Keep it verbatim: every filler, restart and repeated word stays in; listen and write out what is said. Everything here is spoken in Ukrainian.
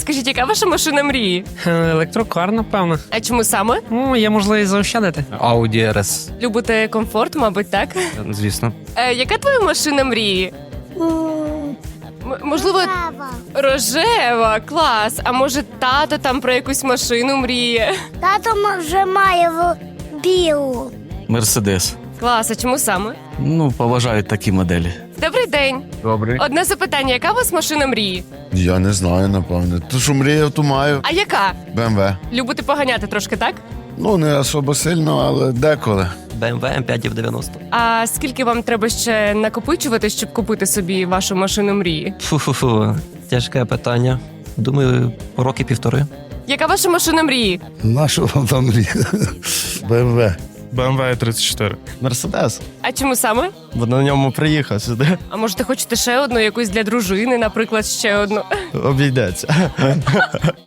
Скажіть, яка ваша машина мрії? Е, Електрокар, напевно. А чому саме? Ну, є можливість заощадити. Audi ар ес, Любите комфорт, мабуть, так? звісно. Е, яка твоя машина мрії? М- можливо, рожева, клас. А може тато там про якусь машину мріє? Тато вже має в білу. Мерседес. Клас, а чому саме? Ну, поважають такі моделі. Добрий день. Добрий. Одне запитання, яка у вас машина мрії? Я не знаю, напевне. То, що мріяв, то маю. А яка? Б М В. Любите поганяти трошки, так? Ну, не особо сильно, але деколи. Б М В Ем п'ять дев'яносто. А скільки вам треба ще накопичувати, щоб купити собі вашу машину мрії? Фу-фу-фу. Тяжке питання. Думаю, роки півтори. Яка ваша машина мрії? Нашу вам там Б М В. Б М В тридцять чотири. Мерседес. А чому саме? Бо на ньому приїхав сюди. А можете хочете ще одну, якусь для дружини, наприклад, ще одну? Обійдеться.